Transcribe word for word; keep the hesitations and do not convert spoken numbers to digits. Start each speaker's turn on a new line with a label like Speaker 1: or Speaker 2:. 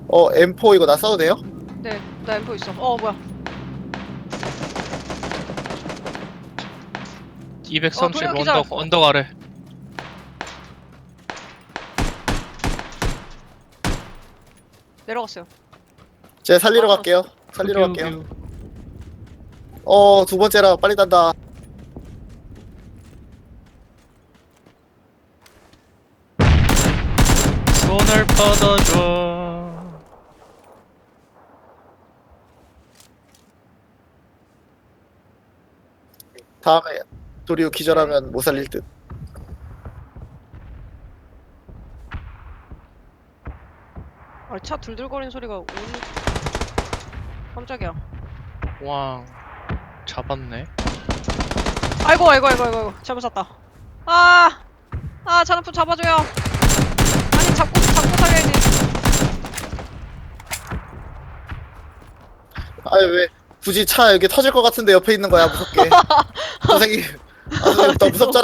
Speaker 1: 어 엠포 이거 나 써도 돼요?
Speaker 2: 네, 나 엠포 있어. 어, 뭐야.
Speaker 3: 이백삼십
Speaker 2: 어, 도영 기절.
Speaker 3: 언덕 언덕 아래.
Speaker 2: 내려갔어요.
Speaker 1: 제가 살리러
Speaker 2: 아,
Speaker 1: 갈게요. 살리러
Speaker 3: 여기,
Speaker 1: 갈게요.
Speaker 3: 여기.
Speaker 1: 어 두 번째라 빨리 단다.
Speaker 3: 손을 뻗어줘.
Speaker 1: 다음에 도리우 기절하면 못 살릴 듯.
Speaker 2: 아, 차 들들거리는 소리가 오니. 깜짝이야.
Speaker 3: 왕 잡았네.
Speaker 2: 아이고, 아이고, 아이고, 아이고, 아이고. 잘못 샀다. 아, 아, 잔아프 잡아줘요. 아니, 잡고, 잡고 살려야지.
Speaker 1: 아니 왜 굳이 차 여기 터질 것 같은데 옆에 있는 거야 무섭게. 선생님. 아 선생님 너 무섭잖아.